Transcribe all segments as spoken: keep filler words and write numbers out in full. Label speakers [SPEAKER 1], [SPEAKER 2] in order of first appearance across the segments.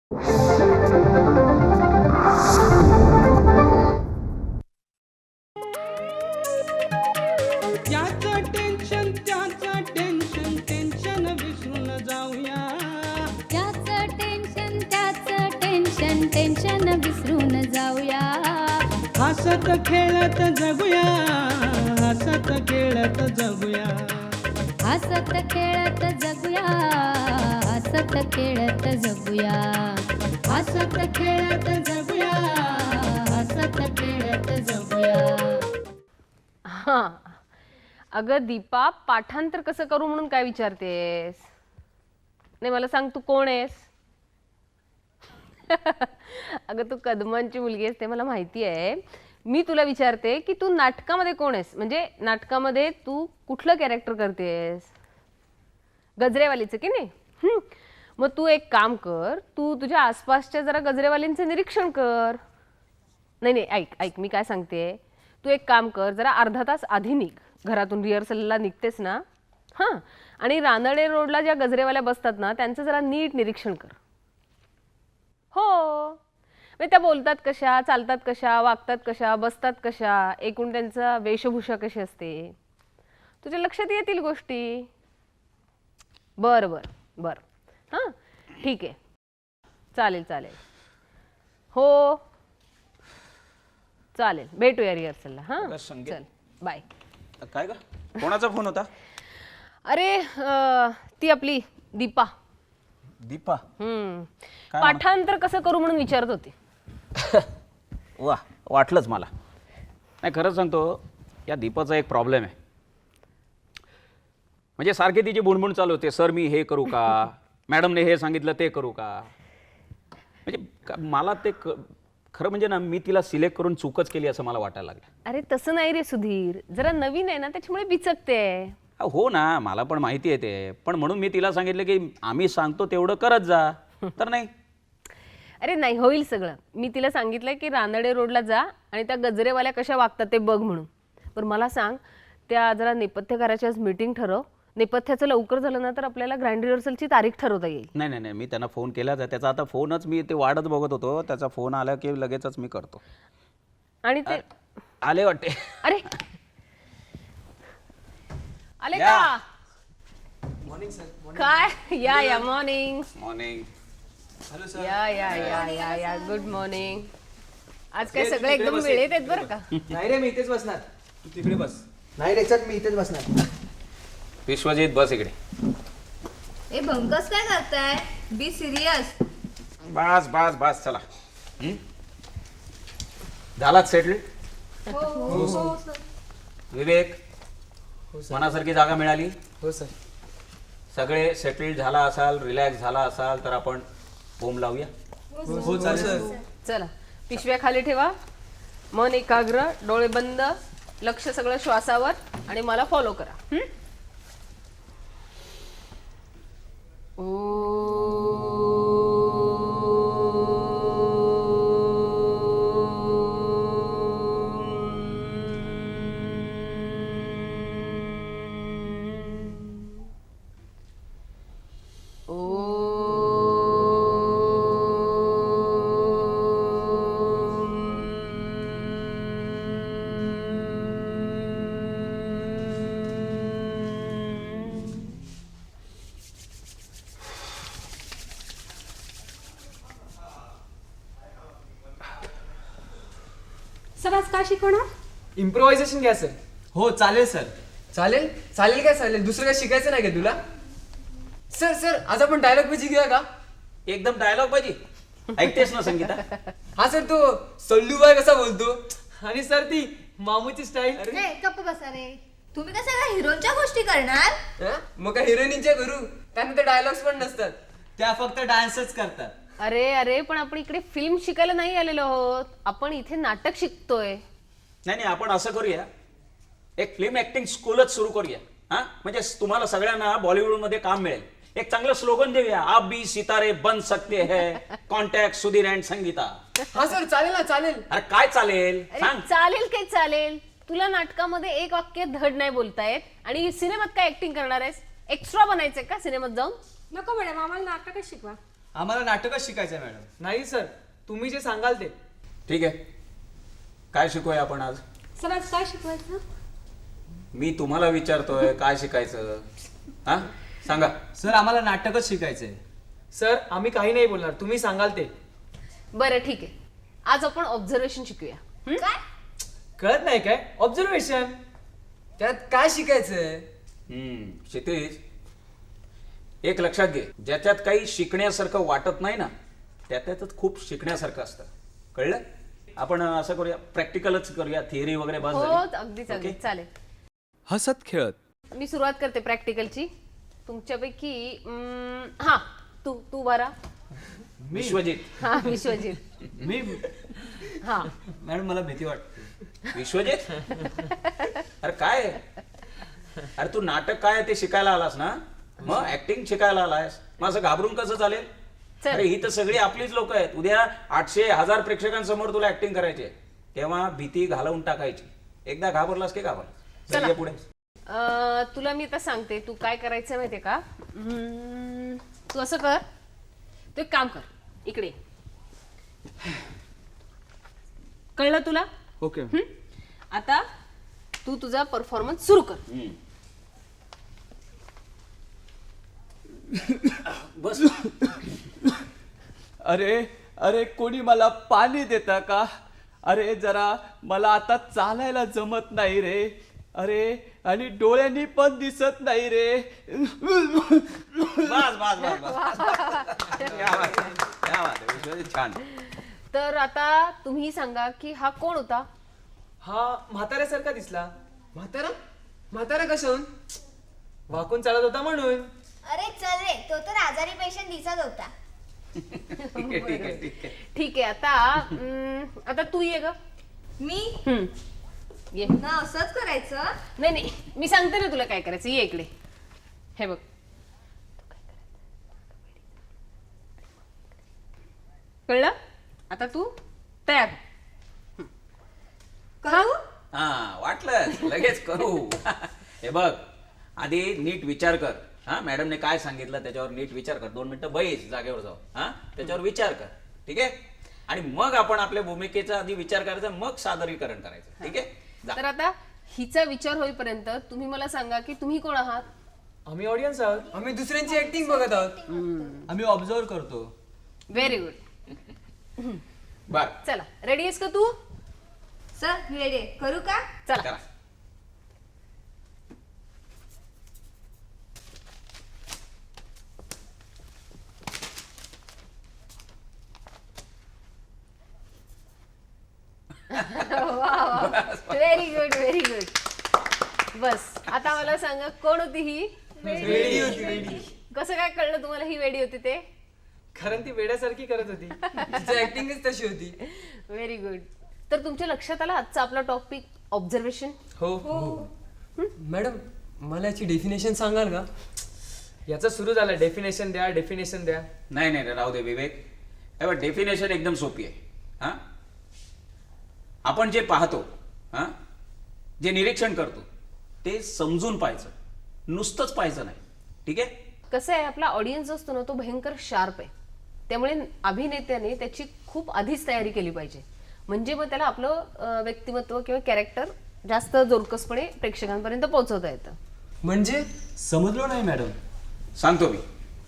[SPEAKER 1] याचं टेन्शन त्याचं tension tension विसरून जाऊया.
[SPEAKER 2] त्याचं टेन्शन त्याचं टेन्शन टेन्शन विसरून जाऊया.
[SPEAKER 1] हसत खेळत जगूया, हसत खेळत जगूया.
[SPEAKER 2] हसत खेळत जगूया, हसत खेळत जगूया.
[SPEAKER 1] हसत खेळत जगूया, हसत खेळत जगूया.
[SPEAKER 3] हा अगं दीपा, पाठांतर कसं करू म्हणून काय विचारतेस? नाही मला सांग, तू कोण आहेस? अगं तू कदमांची मुलगी आहेस ते मला माहिती आहे. मी तुला विचारते की तू नाटकामध्ये कोण आहेस, म्हणजे नाटकामध्ये तू कुठलं कॅरेक्टर करतेस? गजरेवालीचं की नाही? हम्म. मग तू एक काम कर, तू तुझ्या आसपासच्या जरा गजरेवालींचं निरीक्षण कर. नाही नाही ऐक ऐक मी काय सांगते, तू एक काम कर, जरा अर्धा तास आधी निघ घरातून, रिहर्सलला निघतेस ना, हां, आणि रानडे रोडला ज्या गजरेवाल्या बसतात ना त्यांचं जरा नीट निरीक्षण कर. हो, म्हणजे त्या बोलतात कशा, चालतात कशा, वागतात कशा, बसतात कशा, एकूण त्यांचा वेशभूषा कशी असते, तुझ्या लक्षात येतील गोष्टी. बरं बरं बरं हां ठीक आहे, चालेल चालेल, हो चालेल, भेटूया रिहर्सलला. हां चल बाय.
[SPEAKER 4] काय ग, कोणाचा फोन होता?
[SPEAKER 3] अरे अं, ती आपली दीपा.
[SPEAKER 4] दीपा?
[SPEAKER 3] हम्म
[SPEAKER 4] काय
[SPEAKER 3] पाठांतर कसं करू म्हणून विचारत होती.
[SPEAKER 4] वा, वाटलंच मला. नाही खरंच सांगतो, या दीपाचा एक प्रॉब्लेम आहे. म्हणजे सारखी तिची बुणबुण चालू होते, सर मी हे करू का, मॅडमने हे सांगितलं ते करू का. म्हणजे का- मला ते क- खरं म्हणजे ना, मी तिला सिलेक्ट करून चूकच केली असं मला वाटायला लागलं.
[SPEAKER 3] अरे तसं नाही रे सुधीर, जरा नवीन आहे ना त्याच्यामुळे बिचकते.
[SPEAKER 4] हा, हो ना, मला पण माहिती आहे ते, पण म्हणून मी तिला सांगितलं की आम्ही सांगतो तेवढं करत जा, तर नाही.
[SPEAKER 3] अरे नाही, होईल सगळं. मी तिला सांगितलंय की रानडे रोडला जा आणि त्या गजरेवाल्या कशा वागतात ते बघ म्हणून. पण मला सांग, त्या जरा नेपथ्यकाराची आज मीटिंग ठरव. नेपथ्याचं लवकर झालं ना तर आपल्याला ग्रँड रिहर्सलची तारीख ठरवता येईल.
[SPEAKER 4] नाही नाही नाही, मी त्यांना फोन केला, त्याचा आता फोनच मी ते वाढत बघत होतो, त्याचा फोन आला की लगेचच मी करतो.
[SPEAKER 3] आणि ते
[SPEAKER 4] आले वाटते.
[SPEAKER 3] अरे आले
[SPEAKER 4] या.
[SPEAKER 3] का? काय या या मॉर्निंग
[SPEAKER 4] मॉर्निंग.
[SPEAKER 3] या या या या या गुड मॉर्निंग. आज काय सगळे एकदम वेळेत आहेत बरं का.
[SPEAKER 5] नाही रे, मी इथेच बसणार. तू तिकडे बस. नाही रे, चल मी इथेच बसणार.
[SPEAKER 4] विश्वजित बस इकडे.
[SPEAKER 6] ए भंकस काय करताय? Be serious.
[SPEAKER 4] बस बस बस चला. हं? झालात सेटल? विवेक, मनासारखी जागा मिळाली?
[SPEAKER 5] हो सर.
[SPEAKER 4] सगळे सेटल झाला असाल, रिलॅक्स झाला असाल तर आपण होम लावूया.
[SPEAKER 5] हो चालेल.
[SPEAKER 3] चला पिशव्या खाली ठेवा, मन एकाग्र, डोळे बंद, लक्ष सगळं श्वासावर, आणि मला फॉलो करा. हं?
[SPEAKER 7] सर आज काय शिकवणार?
[SPEAKER 5] इम्प्रोव्हायझेशन घ्या सर.
[SPEAKER 8] हो चालेल सर.
[SPEAKER 5] चालेल चालेल काय चालेल, दुसरं काय शिकायचं नाही का तुला? सर सर आज आपण डायलॉग पेजी घेऊया का?
[SPEAKER 4] एकदम डायलॉग पाहिजे. ऐकतेस ना संगीता?
[SPEAKER 5] हा सर, तो सल्लूबाई कसा बोलतो, आणि सर ती मामूची स्टाईल.
[SPEAKER 6] रे गप्प बसा रे. तुम्ही काय सगळ्या हिरोच्या गोष्टी करणार?
[SPEAKER 5] मग काय हिरोईनच्या करू, त्यांना ते डायलॉग्स पण नसतात.
[SPEAKER 8] त्या फक्त डान्सच करतात.
[SPEAKER 3] अरे अरे पण आपण इकडे फिल्म शिकायला नाही आलेलो आहोत, आपण इथे नाटक शिकतोय.
[SPEAKER 4] नाही नाही, आपण असं करूया, एक फिल्म ऍक्टिंग स्कूलच सुरू करूया. हा, म्हणजे तुम्हाला सगळ्यांना बॉलिवूडमध्ये काम मिळेल. एक चांगलं स्लोगन देऊया, आप भी सितारे बन सकते हैं, कॉन्टॅक्ट सुधीर अँड संगीता.
[SPEAKER 5] हा सर चालेल ना, चालेल.
[SPEAKER 4] अरे काय चालेल
[SPEAKER 3] अरे
[SPEAKER 4] सांग.
[SPEAKER 3] चालेल काय चालेल, तुला नाटकामध्ये एक वाक्य धड नाही बोलतायत आणि सिनेमात काय ऍक्टिंग करणार आहेस? एक्स्ट्रा बनायचंय का सिनेमात जाऊन?
[SPEAKER 7] नको मॅडम, आम्हाला नाटकच शिकवा.
[SPEAKER 8] आम्हाला नाटकच शिकायचं आहे मॅडम.
[SPEAKER 5] नाही सर, तुम्ही जे सांगाल ते.
[SPEAKER 4] ठीक आहे, काय शिकूया आपण आज?
[SPEAKER 2] सर आज काय शिकवायचं?
[SPEAKER 4] मी तुम्हाला विचारतोय काय शिकायचं, हा सांगा.
[SPEAKER 8] सर आम्हाला नाटकच शिकायचं आहे.
[SPEAKER 5] सर आम्ही काही नाही बोलणार, तुम्ही सांगाल ते.
[SPEAKER 3] बरं ठीक आहे, आज आपण ऑब्झर्वेशन शिकूया. हं?
[SPEAKER 6] काय
[SPEAKER 5] कळत नाही काय ऑब्झर्वेशन?
[SPEAKER 7] त्यात काय शिकायचंय?
[SPEAKER 4] हम्म क्षितिज, एक लक्षात घे, ज्याच्यात काही शिकण्यासारखं वाटत नाही ना त्याच्यातच खूप शिकण्यासारखं असतं. कळलं? आपण असं करूया, प्रॅक्टिकलच करूया, थिअरी वगैरे बस
[SPEAKER 3] हो
[SPEAKER 4] झाली.
[SPEAKER 3] अगदीच
[SPEAKER 4] ओके?
[SPEAKER 3] अगदीच चालेल.
[SPEAKER 9] हसत खेळत
[SPEAKER 3] मी सुरुवात करते प्रॅक्टिकलची. तुमच्यापैकी अं, हा तू तू बरा.
[SPEAKER 4] विश्वजित.
[SPEAKER 3] हा विश्वजित.
[SPEAKER 8] मी
[SPEAKER 3] हा
[SPEAKER 8] मॅडम मला भीती वाटते.
[SPEAKER 4] विश्वजित, अरे काय अरे तू नाटक काय आहे ते शिकायला आलास ना, मग ऍक्टिंग शिकायला आलायस, मग असं घाबरून कसं चालेल?
[SPEAKER 3] चल.
[SPEAKER 4] अरे ही तर सगळी आपलीच लोक आहेत. उद्या आठशे हजार प्रेक्षकांसमोर तुला ऍक्टिंग करायची आहे, तेव्हा भीती घालवून टाकायची. एकदा घाबरलास की घाबरलास.
[SPEAKER 3] चला.
[SPEAKER 4] चल, ये पुढे.
[SPEAKER 3] अं, तुला मी आता सांगते तू काय करायचं माहितीये का. हम्म, तू असं कर, तू एक काम कर, इकडे ये. कळलं तुला?
[SPEAKER 9] ओके.
[SPEAKER 3] हं? आता तू तुझा परफॉर्मन्स सुरू कर.
[SPEAKER 4] हम्म. बस.
[SPEAKER 9] अरे अरे कोणी मला पाणी देता का? अरे जरा मला आता चालायला जमत नाही रे. अरे आणि डोळ्यांनी पण दिसत नाही रे.
[SPEAKER 4] बस बस बस बस क्या बात आहे, क्या बात आहे, विश्वजित, छान.
[SPEAKER 3] तर आता तुम्ही सांगा की हा कोण होता?
[SPEAKER 5] हा म्हाताऱ्यासारखा दिसला.
[SPEAKER 7] म्हातारा म्हातारा कशाहून?
[SPEAKER 5] वाकून चालत होता म्हणून.
[SPEAKER 6] अरे चल रे, तो तर आजारी पेशंट दिसत होता.
[SPEAKER 4] ठीक आहे ठीक आहे ठीक आहे.
[SPEAKER 3] ठीक आहे, आता अं, आता तू ये ग.
[SPEAKER 6] मी
[SPEAKER 3] हं. ये.
[SPEAKER 6] ना असंच करायचं.
[SPEAKER 3] नाही नाही, मी सांगते ना तुला काय करायचं. ये इकडे, हे बघ. कळलं? आता तू तयार.
[SPEAKER 6] करू?
[SPEAKER 4] हा वाटलं लगेच करू. हे बघ, आधी नीट विचार कर. हा मॅडमने काय सांगितलं त्याच्यावर नीट विचार कर. दोन मिनिटं बैस जागेवर जाऊ, हा त्याच्यावर विचार कर. ठीक आहे? आणि मग आपण आपल्या भूमिकेचा आधी विचार करायचा, मग सादरीकरण करायचं. ठीक आहे? जा.
[SPEAKER 3] तर आता हिचा विचार होईपर्यंत तुम्ही मला सांगा की तुम्ही कोण आहात?
[SPEAKER 5] आम्ही ऑडियन्स आहोत.
[SPEAKER 7] आम्ही दुसऱ्यांची ऍक्टिंग बघत आहोत.
[SPEAKER 8] आम्ही ऑब्झर्व करतो.
[SPEAKER 3] Very good.
[SPEAKER 4] बर,
[SPEAKER 3] चला, रेडी आहेस का तू?
[SPEAKER 6] सर रेडी आहे. करू का?
[SPEAKER 3] चला.
[SPEAKER 4] करा.
[SPEAKER 3] Very good very good. बस आता मला सांगा कोण होती ही?
[SPEAKER 5] वेडी होती वेडी.
[SPEAKER 3] कसं काय कळलं तुम्हाला ही वेडी होती ते?
[SPEAKER 5] कारण ती वेड्यासारखी करत होती.
[SPEAKER 7] तिची ऍक्टिंगच तशी होती.
[SPEAKER 3] Very good. तर तुमच्या लक्षात आला आजचा आपला टॉपिक ऑब्झर्वेशन?
[SPEAKER 5] हो.
[SPEAKER 7] मॅडम मला याची डेफिनेशन सांगाल का?
[SPEAKER 5] याचं सुरू झालं, डेफिनेशन द्या डेफिनेशन द्या.
[SPEAKER 4] नाही नाही राहू दे विवेक. हे बघ, डेफिनेशन एकदम सोपी आहे. हा आपण जे पाहतो, हा जे निरीक्षण करतो ते समजून पाहायचं, नुसतंच पाहायचं नाही. ठीक आहे?
[SPEAKER 3] कसं आहे, आपला ऑडियन्स असतो ना तो भयंकर शार्प आहे. त्यामुळे अभिनेत्याने त्याची खूप आधीच तयारी केली पाहिजे, म्हणजे मग त्याला आपलं अं, व्यक्तिमत्व किंवा कॅरेक्टर जास्त जोरकसपणे प्रेक्षकांपर्यंत पोहोचवता येतं.
[SPEAKER 7] म्हणजे
[SPEAKER 8] समजलो नाही मॅडम.
[SPEAKER 4] सांगतो मी.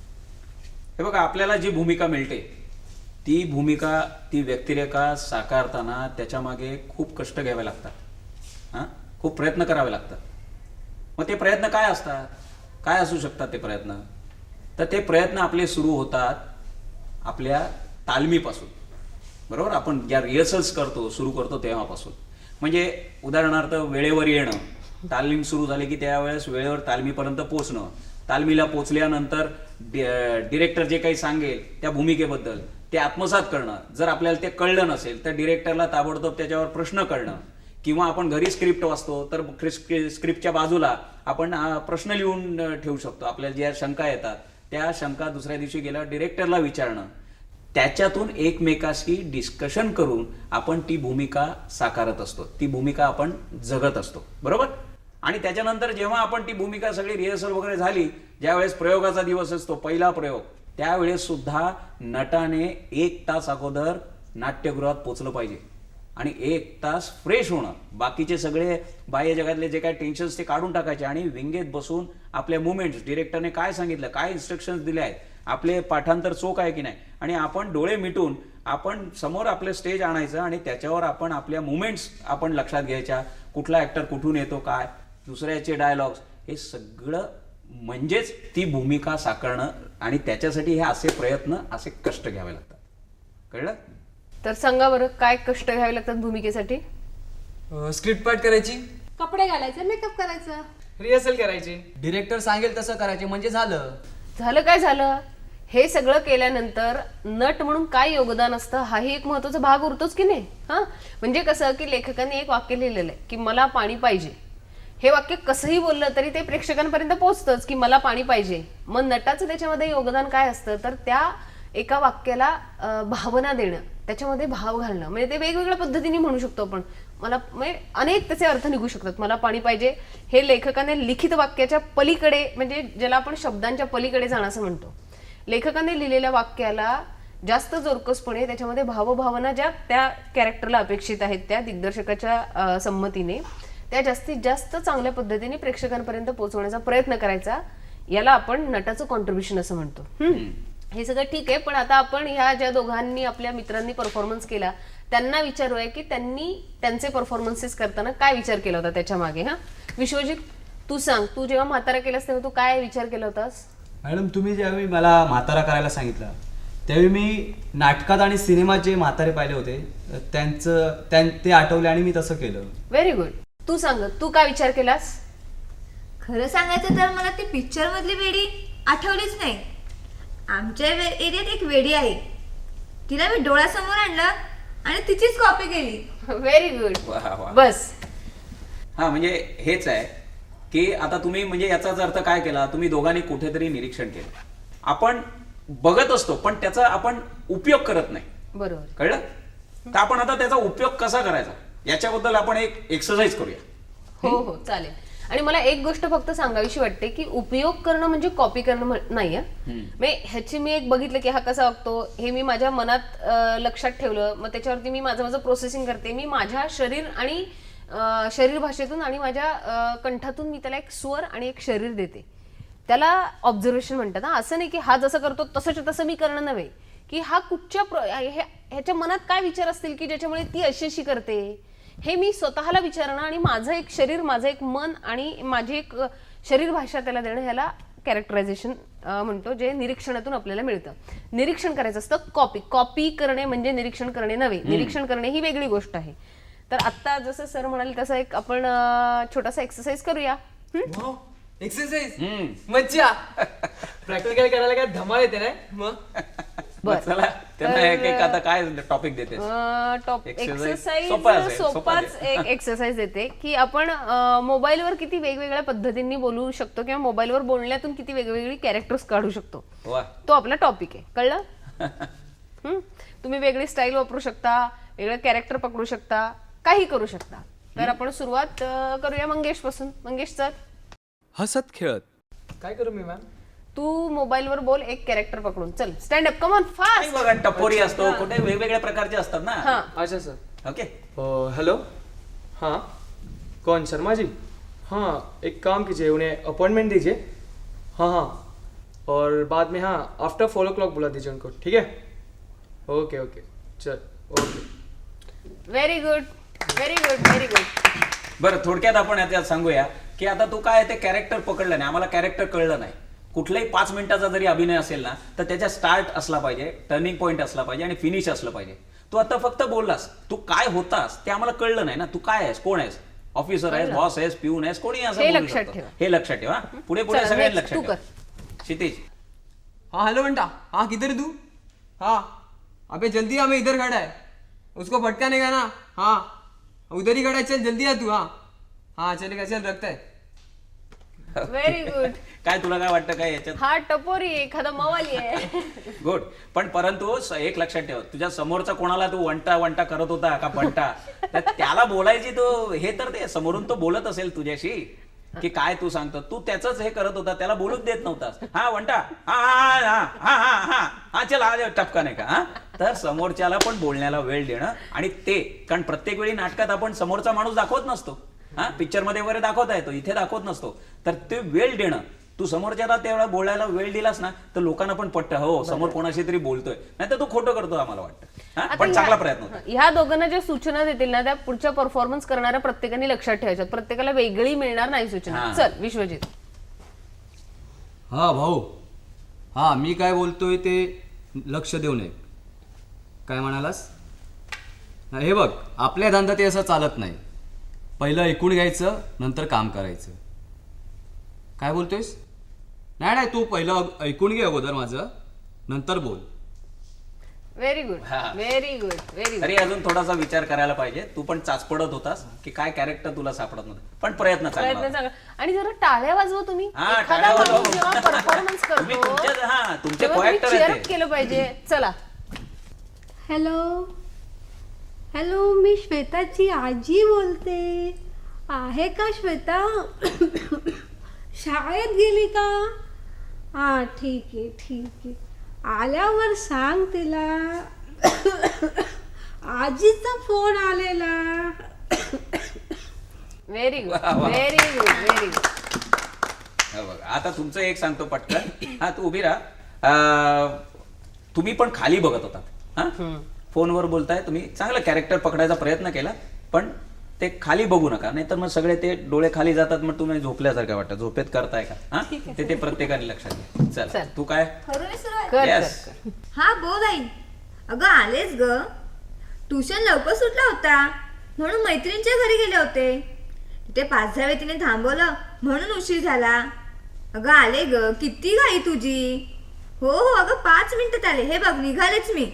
[SPEAKER 4] हे बघा, आपल्याला जी भूमिका मिळते ती भूमिका, ती व्यक्तिरेखा साकारताना त्याच्या मागे खूप कष्ट घ्यावे लागतात. हां खूप प्रयत्न करावे लागतात. मग ते प्रयत्न काय असतात, काय असू शकतात ते प्रयत्न? तर ते प्रयत्न आपले सुरू होतात आपल्या तालमीपासून. बरोबर? आपण ज्या रिहर्सल्स करतो, सुरू करतो तेव्हापासून. म्हणजे उदाहरणार्थ वेळेवर येणं, तालीम सुरू झाली की त्यावेळेस वेळेवर तालमीपर्यंत पोहोचणं, तालमीला पोचल्यानंतर डिरेक्टर जे काही सांगेल त्या भूमिकेबद्दल ते आत्मसात करणं. जर आपल्याला ते कळलं नसेल तर डिरेक्टरला ताबडतोब त्याच्यावर प्रश्न करणं, किंवा आपण घरी स्क्रिप्ट वाचतो तर स्क्रिप्टच्या बाजूला आपण प्रश्न लिहून ठेवू शकतो. आपल्याला ज्या शंका येतात त्या शंका दुसऱ्या दिवशी गेल्यावर डिरेक्टरला विचारणं, त्याच्यातून एकमेकाशी डिस्कशन करून आपण ती भूमिका साकारत असतो, ती भूमिका आपण जगत असतो. बरोबर? आणि त्याच्यानंतर जेव्हा आपण ती भूमिका सगळी रिहर्सल वगैरे झाली, ज्यावेळेस प्रयोगाचा दिवस असतो, पहिला प्रयोग, त्यावेळेस सुद्धा नटाने एक तास अगोदर नाट्यगृहात पोचलं पाहिजे आणि एक तास फ्रेश होणं, बाकीचे सगळे बाह्य जगातले जे काही टेन्शन्स ते काढून टाकायचे आणि विंगेत बसून आपले मुवमेंट्स, डिरेक्टरने काय सांगितलं, काय इन्स्ट्रक्शन्स दिले आहेत, आपले पाठांतर चोख आहे की नाही, आणि आपण डोळे मिटून आपण समोर आपलं स्टेज आणायचं आणि त्याच्यावर आपण आपल्या मुवमेंट्स आपण लक्षात घ्यायच्या, कुठला ऍक्टर कुठून येतो, काय दुसऱ्याचे डायलॉग्स, हे सगळं म्हणजेच ती भूमिका साकारणं, आणि त्याच्यासाठी हे असे प्रयत्न, असे कष्ट घ्यावे लागतात. कळलं?
[SPEAKER 3] तर सांगा बरं, काय कष्ट घ्यावे लागतात भूमिकेसाठी?
[SPEAKER 5] स्क्रिप्ट पाठ करायची,
[SPEAKER 1] कपडे घालायचे, मेकअप करायचं.
[SPEAKER 5] रिहर्सल करायची.
[SPEAKER 7] डिरेक्टर सांगेल तसं करायचे म्हणजे झालं.
[SPEAKER 3] झालं काय झालं? हे सगळं केल्यानंतर नट म्हणून काय योगदान असतं हाही एक महत्वाचा भाग उरतोच की नाही. हा म्हणजे कसं की लेखकांनी एक वाक्य लिहिलेलं आहे की मला पाणी पाहिजे. हे वाक्य कसंही बोललं तरी ते प्रेक्षकांपर्यंत पोहोचतंच की मला पाणी पाहिजे. मग नटाचं त्याच्यामध्ये योगदान काय असतं तर त्या एका वाक्याला अं, भावना देणं, त्याच्यामध्ये भाव घालणं. म्हणजे ते वेगवेगळ्या पद्धतीने म्हणू शकतो आपण. मला म्हणजे अनेक त्याचे अर्थ निघू शकतात. मला पाणी पाहिजे हे लेखकाने लिखित वाक्याच्या पलीकडे, म्हणजे ज्याला आपण शब्दांच्या पलीकडे जाणं असं म्हणतो, लेखकाने लिहिलेल्या वाक्याला जास्त जोरकसपणे त्याच्यामध्ये भावभावना ज्या त्या कॅरेक्टरला अपेक्षित आहेत त्या दिग्दर्शकाच्या अं, संमतीने त्या जास्तीत जास्त चांगल्या पद्धतीने प्रेक्षकांपर्यंत पोहोचवण्याचा प्रयत्न करायचा. याला आपण नटाचं कॉन्ट्रीब्युशन असं म्हणतो. हम्म. हे सगळं ठीक आहे, पण आता आपण ह्या ज्या दोघांनी आपल्या मित्रांनी परफॉर्मन्स केला त्यांना विचारूया की त्यांनी त्यांचे परफॉर्मन्सेस करताना काय विचार केला होता त्याच्या मागे. हा विश्वजित, तू सांग, तू जेव्हा म्हातारा केलास तेव्हा तू काय विचार केला होतास?
[SPEAKER 8] मॅडम, तुम्ही ज्यावेळी मला म्हातारा करायला सांगितलं त्यावेळी मी नाटकात आणि सिनेमात जे म्हातारे पाहिले होते त्यांचं त्यां ते आठवले आणि मी तसं केलं.
[SPEAKER 3] Very good. तू सांग, तू काय विचार केलास?
[SPEAKER 6] खरं सांगायचं तर मला ती पिक्चर मधली वेडी आठवलीच नाही. आमच्या एरियात एक वेडी आहे, तिला मी डोळ्यासमोर आणलं आणि तिचीच कॉपी केली.
[SPEAKER 3] Very good.
[SPEAKER 4] वा वा.
[SPEAKER 3] बस.
[SPEAKER 4] हा म्हणजे हेच आहे की आता तुम्ही म्हणजे याचाच अर्थ काय केला, तुम्ही दोघांनी कुठेतरी निरीक्षण केलं. आपण बघत असतो पण त्याचा आपण उपयोग करत नाही.
[SPEAKER 3] बरोबर.
[SPEAKER 4] कळलं? तर आपण आता त्याचा उपयोग कसा करायचा याच्याबद्दल आपण एक एक्सरसाइज करूया.
[SPEAKER 3] हो हो चालेल. आणि मला एक गोष्ट फक्त सांगावीशी वाटते की उपयोग करणं म्हणजे कॉपी करणं म्हण- नाही आहे. म्हणजे ह्याची मी एक बघितलं की हा कसा वागतो हे मी माझ्या मनात अं, लक्षात ठेवलं, मग त्याच्यावरती मी माझं माझं प्रोसेसिंग करते. मी माझ्या शरीर आणि अं, शरीर भाषेतून आणि माझ्या अं, कंठातून मी त्याला एक स्वर आणि एक शरीर देते. त्याला ऑब्झर्वेशन म्हणतात. हा असं नाही की हा जसं करतो तसंच तसं मी करणं नव्हे, की हा कुठच्या प्र- हे- ह्याच्या मनात काय विचार असतील की ज्याच्यामुळे ती अशी अशी करते हे मी स्वतःला विचारणं आणि माझं एक शरीर, माझं एक मन आणि माझी एक अ, शरीर भाषा त्याला देणं, ह्याला कॅरेक्टरायझेशन म्हणतो, जे निरीक्षणातून आपल्याला मिळतं. निरीक्षण करायचं असतं. कॉपी कॉपी करणे म्हणजे निरीक्षण करणे नव्हे. निरीक्षण करणे ही वेगळी गोष्ट आहे. तर आता जसं सर म्हणाले तसं एक आपण अ, छोटासा एक्सरसाइज करूया. हम्म?
[SPEAKER 5] एक्सरसाइज
[SPEAKER 4] हम्म.
[SPEAKER 5] मज्जा. प्रॅक्टिकल करायला काय धमाल येते नाही मग.
[SPEAKER 4] बरं, चला त्यांना
[SPEAKER 3] तर-
[SPEAKER 4] एक एक आता काय टॉपिक देते?
[SPEAKER 3] टॉप
[SPEAKER 4] Exercise
[SPEAKER 3] एक्सरसाइज
[SPEAKER 4] सोपा असेल, सोपा
[SPEAKER 3] सोपाच
[SPEAKER 4] दे.
[SPEAKER 3] एक एक्सरसाइज देते की आपण मोबाईलवर किती वेगवेगळ्या पद्धतींनी बोलू शकतो किंवा मोबाईलवर बोलण्यातून किती वेगवेगळी कॅरेक्टर्स काढू शकतो.
[SPEAKER 4] वा.
[SPEAKER 3] तो आपला टॉपिक आहे. कळलं? हम्म? तुम्ही वेगळी स्टाईल वापरू शकता, वेगळं कॅरेक्टर पकडू शकता, काही करू शकता. तर आपण सुरुवात अं, करूया मंगेश पासून. मंगेश सर,
[SPEAKER 9] हसत खेळत.
[SPEAKER 5] काय करू मी मॅम?
[SPEAKER 3] तू मोबाईलवर बोल एक कॅरेक्टर पकडून. चल स्टँड अप, कम ऑन
[SPEAKER 4] नाही
[SPEAKER 3] फास्ट.
[SPEAKER 4] बघा, टपोरी असतो, कुठे वेगवेगळ्या प्रकारचे असतात ना.
[SPEAKER 3] हाँ
[SPEAKER 5] अच्छा सर.
[SPEAKER 4] ओके.
[SPEAKER 7] हेलो, हाँ कौन, शर्मा जी? हाँ, एक काम कीजिए, उन्हें अपॉइंटमेंट दीजिए. हाँ हाँ, और बाद में हाँ आफ्टर फोर ओ क्लॉक बुला दीजिए उनको, ठीक है? ओके ओके, चल okay.
[SPEAKER 3] Very good, very good, very good.
[SPEAKER 4] बरं, थोडक्यात आपण याच्यात सांगूया की आता तू काय ते कॅरेक्टर पकडलं नाही, आम्हाला कॅरेक्टर कळलं नाही. कुठलाही पाच मिनिटाचा जरी अभिनय असेल ना तर त्याच्या स्टार्ट असला पाहिजे, टर्निंग पॉईंट असला पाहिजे आणि फिनिश असलं पाहिजे. तू आता फक्त बोललास, तू काय होतास ते आम्हाला कळलं नाही ना. तू काय आहेस, कोण आहेस, ऑफिसर आहेस, बॉस आहेस, पिऊन आहेस, कोणी असं
[SPEAKER 3] हे
[SPEAKER 4] बोलू
[SPEAKER 3] लक्षात
[SPEAKER 4] शकतो.
[SPEAKER 3] ठेवा.
[SPEAKER 4] हे लक्षात ठेवा. पुढे पुढे
[SPEAKER 3] चला,
[SPEAKER 4] सगळ्यांनी
[SPEAKER 3] next
[SPEAKER 4] लक्षात
[SPEAKER 3] तू
[SPEAKER 4] ठेवा.
[SPEAKER 3] कर.
[SPEAKER 4] क्षितिज,
[SPEAKER 5] हाँ हेलो बंटा. हाँ किधर है तू? हाँ अबे जल्दी आ, मैं इधर खड़ा है. उसको भटकाने का ना. हाँ उधर ही खड़ा है, चल जल्दी आ तू. हाँ हाँ चलेगा, चल रखता है.
[SPEAKER 3] Very good.
[SPEAKER 4] काय तुला काय वाटतं काय याच्यात?
[SPEAKER 3] हा टपोरी आहे, एखादा मवाली आहे.
[SPEAKER 4] गुड. पण परंतु स- एक लक्षात ठेव, तुझ्या समोरचा कोणाला तू वंटा वंटा करत होता का बंटा, तर त्याला बोलायची तो हे तर ते समोरून तो बोलत असेल तुझ्याशी, की काय तू सांगतो, तू त्याच हे करत होता, त्याला बोलूच देत नव्हतास. हा वंटा हा हा हा हा हा हा हा चला हा टपका नाही का. हा तर समोरच्याला पण बोलण्याला वेळ देणं आणि ते, कारण प्रत्येक वेळी नाटकात आपण समोरचा माणूस दाखवत नसतो. हा पिक्चर मध्ये वगैरे दाखवता येतो, इथे दाखवत नसतो. तर ते वेळ देणं, तू समोरच्याला तेवढा बोलायला वेळ दिलास ना तर लोकांना पण पटतं, हो समोर कोणाशी तरी बोलतोय, नाही तर तू खोटं करतो आम्हाला वाटतं. हा,
[SPEAKER 3] आता
[SPEAKER 4] पण
[SPEAKER 3] ह्या-
[SPEAKER 4] चांगला प्रयत्न होता.
[SPEAKER 3] ह्या दोघांना ज्या सूचना देतील ना त्या पुढच्या परफॉर्मन्स करणाऱ्या प्रत्येकाने लक्षात ठेवायच्या, प्रत्येकाला वेगळी मिळणार नाही सूचना.
[SPEAKER 4] हा.
[SPEAKER 3] चल विश्वजित.
[SPEAKER 8] हा भाऊ, हा मी काय बोलतोय ते लक्ष देऊ नये. काय म्हणालास? हा, हे बघ, आपल्या धंदा ते असं चालत नाही. पहिलं ऐकून घ्यायचं, नंतर काम करायचं. काय बोलतोयस? नाही नाही, तू पहिलं ऐकून घे अगोदर माझं, नंतर बोल.
[SPEAKER 3] व्हेरी गुड,
[SPEAKER 4] हा.
[SPEAKER 3] Very good, very good.
[SPEAKER 4] तरी अजून थोडासा विचार करायला पाहिजे. तू पण चाचपडत होतास की काय कॅरेक्टर तुला सापडत नव्हतं, पण प्रयत्न चांगला
[SPEAKER 3] प्रयत्न
[SPEAKER 4] होता.
[SPEAKER 3] चांगला. आणि जरा टाळ्या वाजवा तुम्ही.
[SPEAKER 4] हा,
[SPEAKER 3] एखादा
[SPEAKER 4] टाळ्या वाजवा.
[SPEAKER 3] माणूस जेव्हा परफॉर्मन्स
[SPEAKER 4] तुम्ही
[SPEAKER 3] करतो
[SPEAKER 4] तुमच्या- हा, तुमचे
[SPEAKER 3] तेव्हा तुम्ही
[SPEAKER 4] co-actor
[SPEAKER 3] cheer
[SPEAKER 4] आहेत
[SPEAKER 3] up
[SPEAKER 4] ते.
[SPEAKER 3] केलं पाहिजे. चला.
[SPEAKER 1] हॅलो हॅलो मी श्वेताची आजी बोलते. आहे का श्वेता? शाळेत गेली का? हा ठीक आहे ठीक आहे, आल्यावर सांग तिला आजीचा फोन आलेला.
[SPEAKER 3] व्हेरी गुड,
[SPEAKER 4] वा, वा.
[SPEAKER 3] Very good, very good.
[SPEAKER 4] हा बघ, आता तुमचं एक सांगतो पटकन. हा तू उभी राहा. अं, तुम्ही पण खाली बघत होता. हा फोनवर बोलताय तुम्ही, चांगलं कॅरेक्टर पकडायचा प्रयत्न केला, पण ते खाली बघू नका, नाहीतर मग सगळे ते डोळे खाली जातात, मग तुम्ही झोपल्यासारखं वाटतं. झोपेत करताय का? हा ते ते प्रत्येकाने लक्षात घ्या. चल
[SPEAKER 3] चल.
[SPEAKER 4] तू काय?
[SPEAKER 6] खरं सुरुवात.
[SPEAKER 3] कर,
[SPEAKER 4] Yes.
[SPEAKER 3] कर, कर.
[SPEAKER 6] हा बोल आई. अगं आलेच ग, ट्युशन लवकर सुटला होता म्हणून मैत्रिणीच्या घरी गेले होते. तिथे पाच दहा वेळ तिने थांबवलं म्हणून उशीर झाला. अगं आले ग, किती घाई तुझी. हो हो अगं पाच मिनिटात आले, हे बघ निघालेच मी.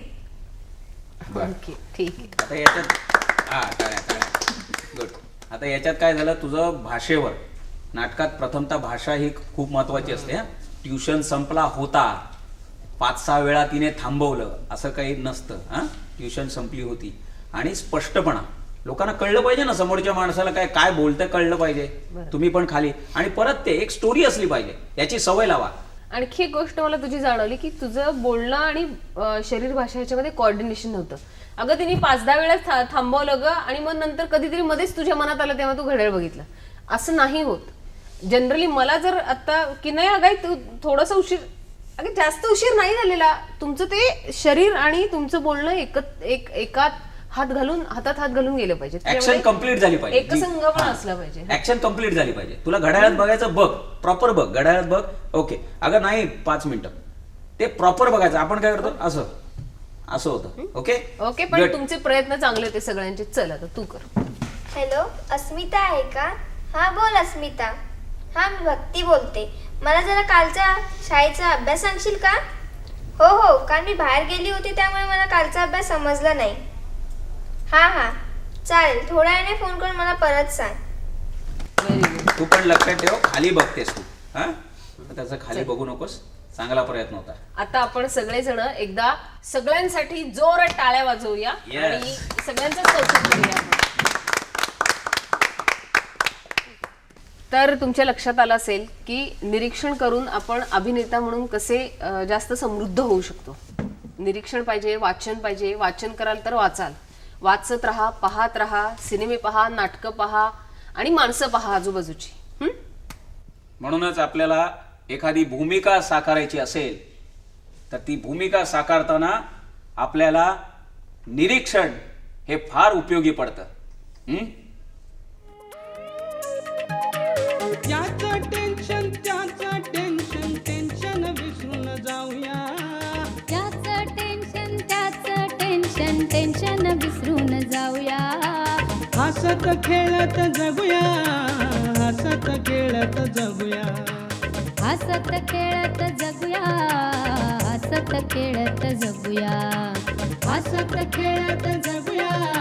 [SPEAKER 4] बरं.
[SPEAKER 3] ओके, ठीक आहे.
[SPEAKER 4] आता याच्यात हा टाळ्या टाळ्या गुड. आता याच्यात काय झालं, तुझं भाषेवर, नाटकात प्रथमतः भाषा ही खूप महत्वाची असते. हा ट्युशन संपला होता, पाच सहा वेळा तिने थांबवलं असं काही नसतं. हा ट्युशन संपली होती. आणि स्पष्टपणा, लोकांना कळलं पाहिजे ना, समोरच्या माणसाला काय काय बोलतं कळलं पाहिजे. तुम्ही पण खाली, आणि परत ते एक स्टोरी असली पाहिजे, याची सवय लावा.
[SPEAKER 3] आणखी एक गोष्ट मला तुझी जाणवली की तुझं बोलणं आणि अं, शरीर भाषा ह्याच्यामध्ये कॉर्डिनेशन नव्हतं. अगं तिने पाच दहा वेळा था- थांबवलं ग, आणि मग नंतर कधीतरी मध्येच तुझ्या मनात आलं तेव्हा तू घड्याळ बघितलं. असं नाही होत. जनरली मला जर आता की नाही अगं तू थोडंसं उशीर, अगं जास्त उशीर नाही झालेला, तुमचं ते शरीर आणि तुमचं बोलणं एकत एक एकात हात घालून हातात हात घालून गेलं पाहिजे.
[SPEAKER 4] ऍक्शन
[SPEAKER 3] त्यामुळे
[SPEAKER 4] कम्प्लीट झाली पाहिजे.
[SPEAKER 3] एकसंघपणा असला पाहिजे.
[SPEAKER 4] ऍक्शन कम्प्लीट झाली पाहिजे. तुला घड्याळात बघायचं बघ, प्रॉपर बघ, घड्याळात बघ. ओके, अगं नाही पाच मिनिटं, ते प्रॉपर बघायचं. आपण काय करतो असं असं होतं. ओके
[SPEAKER 3] ओके, पण
[SPEAKER 4] Good.
[SPEAKER 3] तुमचे प्रयत्न चांगले होते सगळ्यांचे. चल आता तू कर.
[SPEAKER 10] हॅलो, अस्मिता आहे का? हां बोल अस्मिता. हां मी भक्ती बोलते. मला जरा कालचा शाळेचा अभ्यास सांगशील का? हो हो, कारण मी बाहेर गेली होती त्यामुळे मला कालचा अभ्यास समजला नाही. हां हां चालेल, थोड्या वेळाने फोन करून मला परत सांग.
[SPEAKER 3] Very good.
[SPEAKER 4] तू पण लक्षात ठेव, खाली बघतेस तू. हा त्याचं खाली बघू नकोस. चांगला प्रयत्न होता.
[SPEAKER 3] आता आपण सगळेजण एकदा सगळ्यांसाठी जोरात टाळ्या वाजवूया
[SPEAKER 4] Yes.
[SPEAKER 3] आणि सगळ्यांचं कौतुक करूया. तर तुमच्या लक्षात आलं असेल की निरीक्षण करून आपण अभिनेता म्हणून कसे अं, जास्त समृद्ध होऊ शकतो. निरीक्षण पाहिजे, वाचन पाहिजे. वाचन कराल तर वाचाल, वाचत राहा, पाहत राहा, सिनेमे पहा, नाटकं पहा आणि माणसं पहा आजूबाजूची. हम्म?
[SPEAKER 4] म्हणूनच आपल्याला एखादी भूमिका साकारायची असेल तर ती भूमिका साकारताना आपल्याला निरीक्षण हे फार उपयोगी पडतं. हम्म?
[SPEAKER 11] याचं टेन्शन त्याचं टेन्शन टेन्शन विसरून जाऊया.
[SPEAKER 2] ज्याचं टेन्शन त्याचं टेन्शन टेन्शन विसरून जाऊया.
[SPEAKER 11] हसत खेळत जगूया, हसत खेळत जगूया.
[SPEAKER 2] हसत खेळत जगूया, हसत खेळत जगूया.
[SPEAKER 11] हसत खेळत जगूया,